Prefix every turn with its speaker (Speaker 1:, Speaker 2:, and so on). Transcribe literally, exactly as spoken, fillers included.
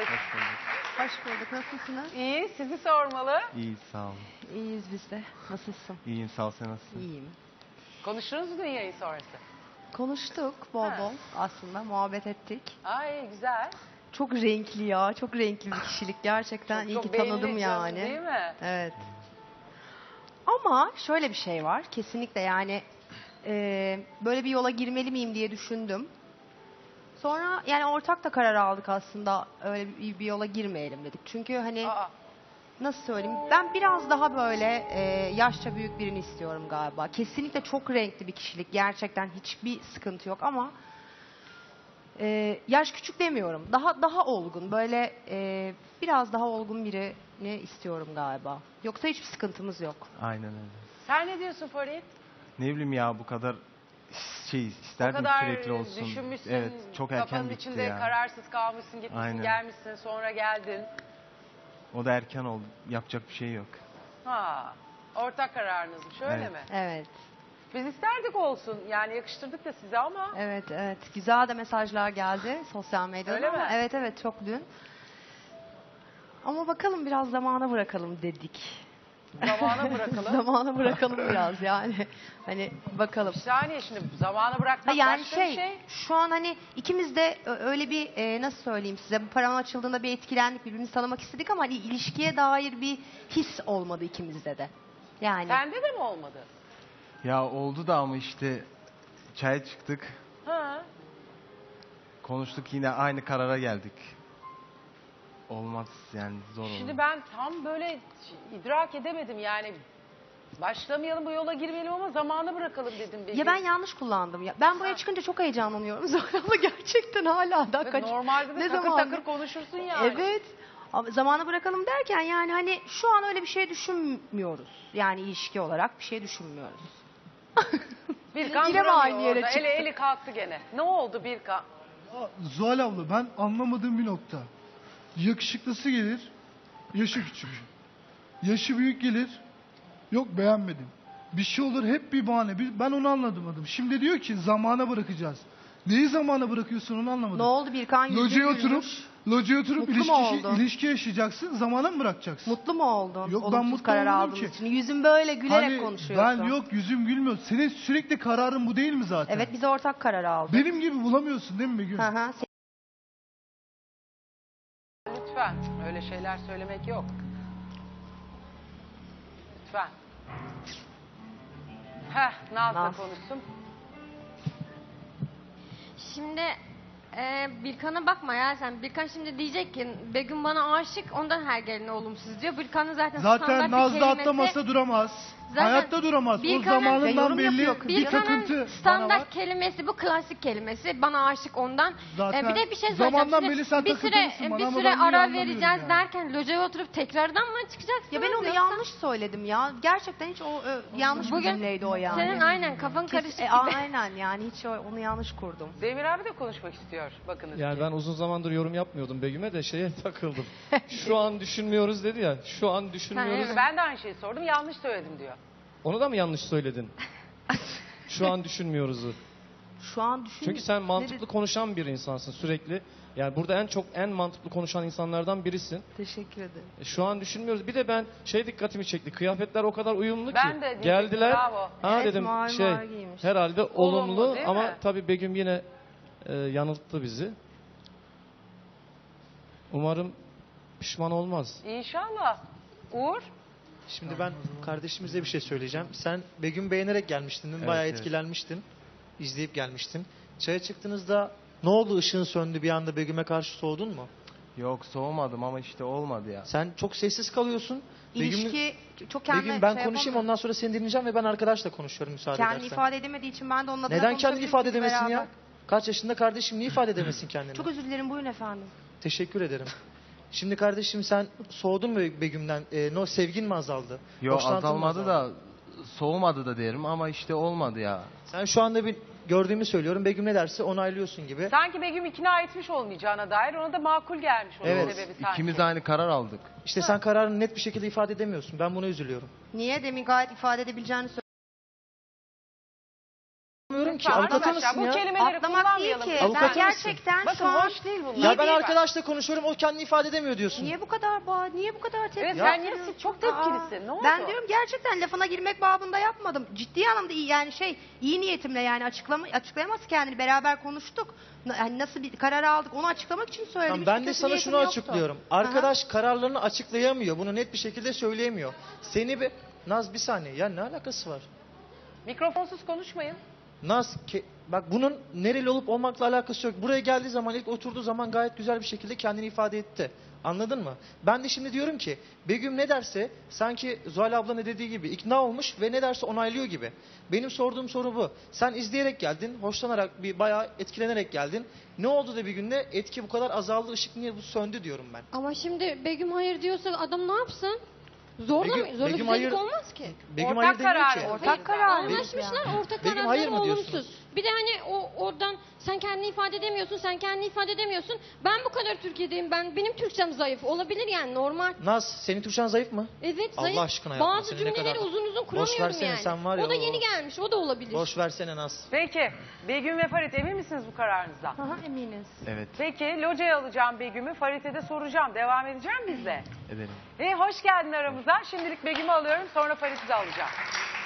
Speaker 1: Hoş bulduk.
Speaker 2: Hoş bulduk. Nasılsınız?
Speaker 3: İyi, sizi sormalı.
Speaker 1: İyi, sağ olun.
Speaker 2: İyiyiz biz de. Nasılsın?
Speaker 1: İyiyim, sağ ol. Sen nasılsın?
Speaker 2: İyiyim.
Speaker 3: Konuştunuz mu yayın sonrası?
Speaker 2: Konuştuk bol
Speaker 3: Ha.
Speaker 2: bol aslında. Muhabbet ettik.
Speaker 3: Ay güzel.
Speaker 2: Çok renkli ya. Çok renkli bir kişilik. Gerçekten
Speaker 3: Çok,
Speaker 2: iyi
Speaker 3: çok
Speaker 2: ki
Speaker 3: belli
Speaker 2: tanıdım
Speaker 3: canım,
Speaker 2: yani.
Speaker 3: Değil mi?
Speaker 2: Evet. Ama şöyle bir şey var. Kesinlikle yani e, böyle bir yola girmeli miyim diye düşündüm. Sonra yani ortak da karar aldık aslında. Öyle bir, bir yola girmeyelim dedik. Çünkü hani
Speaker 3: Aa,
Speaker 2: nasıl söyleyeyim? Ben biraz daha böyle e, yaşça büyük birini istiyorum galiba. Kesinlikle çok renkli bir kişilik. Gerçekten hiçbir sıkıntı yok ama e, yaş küçük demiyorum. Daha daha olgun. Böyle e, biraz daha olgun birini istiyorum galiba. Yoksa hiçbir sıkıntımız yok.
Speaker 1: Aynen öyle.
Speaker 3: sen ne diyorsun Farid?
Speaker 1: Ne bileyim ya, bu kadar şey
Speaker 3: O
Speaker 1: isterdim
Speaker 3: kadar
Speaker 1: sürekli olsun.
Speaker 3: düşünmüşsün,
Speaker 1: Evet, çok erken
Speaker 3: kafanın
Speaker 1: bitti
Speaker 3: içinde
Speaker 1: ya.
Speaker 3: kararsız kalmışsın, gitmişsin,
Speaker 1: Aynen.
Speaker 3: gelmişsin, sonra geldin.
Speaker 1: O da erken oldu. Yapacak bir şey yok.
Speaker 3: Ha, ortak kararınızmış öyle
Speaker 1: Evet.
Speaker 3: mi?
Speaker 2: Evet.
Speaker 3: Biz isterdik olsun, yani yakıştırdık da size ama
Speaker 2: Evet, evet. Güzel de mesajlar geldi sosyal medyada.
Speaker 3: Öyle
Speaker 2: ama
Speaker 3: mi?
Speaker 2: Evet, evet. Çok dün. Ama bakalım biraz zamana bırakalım dedik.
Speaker 3: zamana bırakalım.
Speaker 2: Zamana bırakalım biraz yani. Hani bakalım.
Speaker 3: Bir saniye şimdi zamana
Speaker 2: Ha,
Speaker 3: bırakmak
Speaker 2: yani
Speaker 3: başka
Speaker 2: şey,
Speaker 3: bir şey.
Speaker 2: şu an hani ikimiz de ö- öyle bir e, nasıl söyleyeyim size, bu param açıldığında bir etkilendik, birbirimizi tanımak istedik ama hani ilişkiye dair bir his olmadı ikimizde de. Yani
Speaker 3: Sende de mi olmadı?
Speaker 1: Ya oldu da ama işte çaya çıktık.
Speaker 3: Ha.
Speaker 1: Konuştuk, yine aynı karara geldik. Olmaz yani, zor oldu.
Speaker 3: Şimdi ben tam böyle idrak edemedim yani. Başlamayalım bu yola girmeyelim ama zamanı bırakalım dedim.
Speaker 2: ya ben yanlış kullandım ya. Ben buraya çıkınca çok heyecanlanıyorum. Sonra ama gerçekten hala da
Speaker 3: Evet,
Speaker 2: kaç.
Speaker 3: normalde de
Speaker 2: ne
Speaker 3: takır
Speaker 2: zaman?
Speaker 3: takır konuşursun yani.
Speaker 2: Evet. Ama zamanı bırakalım derken yani hani şu an öyle bir şey düşünmüyoruz. Yani ilişki olarak bir şey düşünmüyoruz.
Speaker 3: Birkan
Speaker 2: Yine mi
Speaker 3: duramıyor
Speaker 2: aynı yere
Speaker 3: orada.
Speaker 2: çıktı?
Speaker 3: Eli eli kalktı gene. Ne oldu Birkan?
Speaker 4: Aa, Zuhal abla, ben anlamadığım bir nokta. Yakışıklısı gelir, yaşı küçük. Yaşı büyük gelir, yok beğenmedim. Bir şey olur, hep bir bahane. Bir- Ben onu anlamadım. Şimdi diyor ki zamana bırakacağız. Neyi zamana bırakıyorsun, onu anlamadım.
Speaker 2: Ne oldu Birkan? Yüzün
Speaker 4: Locaya
Speaker 2: gülmüş.
Speaker 4: oturup, locaya oturup
Speaker 2: Mutlu mu
Speaker 4: ilişki,
Speaker 2: oldun?
Speaker 4: ilişki yaşayacaksın, zamana mı bırakacaksın?
Speaker 2: Mutlu mu oldun?
Speaker 4: Yok, ben
Speaker 2: Olumsuz
Speaker 4: mutlu
Speaker 2: karar
Speaker 4: olmadım
Speaker 2: aldığın
Speaker 4: ki.
Speaker 2: için. Yüzün böyle gülerek
Speaker 4: Hani
Speaker 2: konuşuyorsun.
Speaker 4: ben yok, yüzüm gülmüyor. Senin sürekli kararın bu değil mi zaten?
Speaker 2: Evet, biz ortak karar aldık.
Speaker 4: Benim gibi bulamıyorsun değil mi Begüm?
Speaker 2: Hı hı.
Speaker 3: Lütfen. Öyle şeyler söylemek yok. Lütfen. Heh, Naz da
Speaker 2: Naz.
Speaker 3: konuşsun.
Speaker 5: Şimdi e, Birkan'a bakma ya sen. Birkan şimdi diyecek ki Begüm bana aşık, ondan her gelene olumsuz diyor. Birkan'ın zaten,
Speaker 4: Zaten
Speaker 5: standart bir
Speaker 4: Nazlı
Speaker 5: kelimesi-
Speaker 4: atlamasa duramaz.
Speaker 5: Zaten
Speaker 4: Hayatta duramaz. O
Speaker 5: Birkan'ın-
Speaker 2: Ya
Speaker 4: zamanından
Speaker 2: yorum
Speaker 4: belli
Speaker 2: yapıyor kız.
Speaker 4: bir
Speaker 5: Birkan'ın
Speaker 4: takıntı bana var.
Speaker 5: standart kelimesi bu, klasik kelimesi. Bana aşık ondan.
Speaker 4: Zaten
Speaker 5: E, bir de bir şey
Speaker 4: zamandan
Speaker 5: söyleyeceğim.
Speaker 4: beri sen
Speaker 5: Şimdi bir süre,
Speaker 4: takıntılısın bana
Speaker 5: bir
Speaker 4: ama
Speaker 5: süre
Speaker 4: ben niye
Speaker 5: ara
Speaker 4: anlamıyorum
Speaker 5: vereceğiz
Speaker 4: yani.
Speaker 5: derken locaya oturup tekrardan mı çıkacaksınız?
Speaker 2: Ya ben onu
Speaker 5: yoksa-
Speaker 2: yanlış söyledim ya. Gerçekten hiç o ö, yanlış bir
Speaker 5: Bugün
Speaker 2: cümleydi o yani.
Speaker 5: Senin aynen kafan
Speaker 2: Kes-
Speaker 5: karışık
Speaker 2: e,
Speaker 5: gibi.
Speaker 2: aynen yani hiç o- onu yanlış kurdum.
Speaker 3: Demir abi de konuşmak istiyor. Bakınız
Speaker 6: Yani
Speaker 3: ki.
Speaker 6: ben uzun zamandır yorum yapmıyordum Begüm'e de şeye takıldım. Şu an düşünmüyoruz dedi ya. Şu an düşünmüyoruz.
Speaker 5: evet.
Speaker 3: Ben de aynı şeyi sordum. Yanlış söyledim diyor.
Speaker 6: Onu da mı yanlış söyledin? Şu an düşünmüyoruzu.
Speaker 2: Şu an düşün.
Speaker 6: Çünkü sen
Speaker 2: Ne
Speaker 6: mantıklı
Speaker 2: dedi-
Speaker 6: konuşan bir insansın sürekli. Yani burada en çok en mantıklı konuşan insanlardan birisin.
Speaker 2: Teşekkür ederim.
Speaker 6: E, Şu an düşünmüyoruz. Bir de ben şey dikkatimi çekti. Kıyafetler o kadar uyumlu
Speaker 3: Ben
Speaker 6: ki.
Speaker 3: de diyecektim,
Speaker 6: Geldiler.
Speaker 3: bravo.
Speaker 6: Ha
Speaker 2: Evet,
Speaker 6: dedim
Speaker 2: mavi
Speaker 6: şey
Speaker 2: mavi giymiş.
Speaker 6: herhalde
Speaker 3: Olumlu,
Speaker 6: olumlu,
Speaker 3: değil
Speaker 6: ama
Speaker 3: mi?
Speaker 6: tabii Begüm yine e, yanılttı bizi. Umarım pişman olmaz.
Speaker 3: İnşallah. Uğur.
Speaker 7: Şimdi ben kardeşimize bir şey söyleyeceğim. Sen Begüm beğenerek gelmiştin,
Speaker 1: Evet,
Speaker 7: bayağı
Speaker 1: evet.
Speaker 7: etkilenmiştin. İzleyip gelmiştin. Çaya çıktığınızda ne oldu, ışığın söndü bir anda, Begüm'e karşı soğudun mu?
Speaker 1: Yok, soğumadım ama işte olmadı ya.
Speaker 7: Sen çok sessiz kalıyorsun.
Speaker 2: İlişki çok kendine
Speaker 7: Begüm ben
Speaker 2: şey
Speaker 7: konuşayım,
Speaker 2: yapamıyor.
Speaker 7: ondan sonra seni dinleyeceğim ve ben arkadaşla konuşuyorum müsaade
Speaker 2: Kendini
Speaker 7: edersen.
Speaker 2: ifade edemediği için ben de onun adına
Speaker 7: Neden kendini
Speaker 2: konuşabilirim
Speaker 7: ifade
Speaker 2: sizi
Speaker 7: edemesin
Speaker 2: beraber.
Speaker 7: ya? Kaç yaşında kardeşim, niye ifade edemesin kendini?
Speaker 2: Çok özür dilerim, buyurun efendim.
Speaker 7: Teşekkür ederim. Şimdi kardeşim sen soğudun mu Begüm'den? Ee, no, sevgin mi azaldı?
Speaker 1: Yok,
Speaker 7: Hoşlantın mı
Speaker 1: azalmadı
Speaker 7: azaldı?
Speaker 1: da soğumadı da derim ama işte olmadı ya.
Speaker 7: Sen şu anda bir gördüğümü söylüyorum. Begüm ne derse onaylıyorsun gibi.
Speaker 3: Sanki Begüm ikna etmiş olmayacağına dair ona da makul gelmiş onun
Speaker 7: Evet.
Speaker 3: sebebi sanki.
Speaker 1: İkimiz aynı karar aldık.
Speaker 7: İşte sen kararını net bir şekilde ifade edemiyorsun. Ben buna üzülüyorum.
Speaker 2: Niye? Demin gayet ifade edebileceğini
Speaker 7: Anlamıyorum ki.
Speaker 3: Lütfen
Speaker 7: Avukat
Speaker 3: arkadaşlar,
Speaker 7: mısın
Speaker 3: bu
Speaker 7: ya?
Speaker 3: kelimeleri
Speaker 2: Atlamak değil
Speaker 3: kullanmayalım.
Speaker 2: ki.
Speaker 7: Avukat
Speaker 2: Ben
Speaker 7: mısın?
Speaker 2: gerçekten
Speaker 3: Bakın
Speaker 2: şu an...
Speaker 3: hoş değil bunlar.
Speaker 7: Ya ben
Speaker 3: Değil
Speaker 7: arkadaşla konuşuyorum, o kendini ifade edemiyor diyorsun.
Speaker 2: Niye bu kadar bağ, niye bu kadar tepki
Speaker 3: Evet,
Speaker 7: Ya-
Speaker 3: sen niye çok tepkilisin? Ne oldu?
Speaker 2: Ben diyorum gerçekten lafına girmek babında yapmadım. Ciddi anlamda iyi yani şey iyi niyetimle yani açıklama açıklayamaz kendini beraber konuştuk. Na- Yani nasıl bir karar aldık onu açıklamak için söyledim.
Speaker 7: Tamam,
Speaker 2: Hiç
Speaker 7: ben de
Speaker 2: kötü
Speaker 7: sana
Speaker 2: niyetim
Speaker 7: şunu
Speaker 2: yoktu.
Speaker 7: açıklıyorum.
Speaker 2: Aha.
Speaker 7: Arkadaş kararlarını açıklayamıyor. Bunu net bir şekilde söyleyemiyor. Seni bir... Naz bir saniye. Ya ne alakası var?
Speaker 3: Mikrofonsuz konuşmayın.
Speaker 7: Naz, ke- bak bunun nereli olup olmakla alakası yok. Buraya geldiği zaman, ilk oturduğu zaman gayet güzel bir şekilde kendini ifade etti. Anladın mı? Ben de şimdi diyorum ki Begüm ne derse sanki Zuhal abla ne dediği gibi ikna olmuş ve ne derse onaylıyor gibi. Benim sorduğum soru bu. Sen izleyerek geldin, hoşlanarak, bir bayağı etkilenerek geldin. Ne oldu da bir günde etki bu kadar azaldı, ışık niye bu söndü diyorum ben.
Speaker 5: Ama şimdi Begüm hayır diyorsa adam ne yapsın? Zorla
Speaker 7: Begüm-
Speaker 5: mı? Zorla
Speaker 7: Begüm
Speaker 5: güzellik
Speaker 7: hayır-
Speaker 5: olmaz ki.
Speaker 7: Begüm
Speaker 3: Ortak
Speaker 7: hayır demiyor
Speaker 3: karar,
Speaker 7: ki.
Speaker 3: ortak
Speaker 2: Ortak karar.
Speaker 5: Anlaşmışlar ortak
Speaker 7: Begüm hayır
Speaker 5: kararları
Speaker 7: mı diyorsunuz?
Speaker 5: olumsuz. Bir de hani o oradan sen kendini ifade edemiyorsun, sen kendini ifade edemiyorsun. Ben bu kadar Türkiye'deyim, ben benim Türkçem zayıf. Olabilir yani normal.
Speaker 7: Naz, senin Türkçen zayıf mı?
Speaker 5: Evet
Speaker 7: Allah
Speaker 5: zayıf.
Speaker 7: aşkına yapma,
Speaker 5: Bazı
Speaker 7: seni ne
Speaker 5: cümleleri
Speaker 7: kadar-
Speaker 5: uzun uzun
Speaker 7: Boş
Speaker 5: kuramıyorum
Speaker 7: versene,
Speaker 5: yani.
Speaker 7: sen var ya,
Speaker 5: o da
Speaker 7: o-
Speaker 5: yeni gelmiş, o da olabilir.
Speaker 7: Boş versene Naz.
Speaker 3: Peki Begüm ve Farit emin misiniz bu kararınızdan?
Speaker 2: Aha, eminiz.
Speaker 1: Evet,
Speaker 3: Peki locaya alacağım Begüm'ü. Farit'e de soracağım. Devam edeceğim bizle.
Speaker 1: edelim.
Speaker 3: E, hoş geldin aramıza. Şimdilik Begüm'ü alıyorum, sonra Farit'i de alacağım.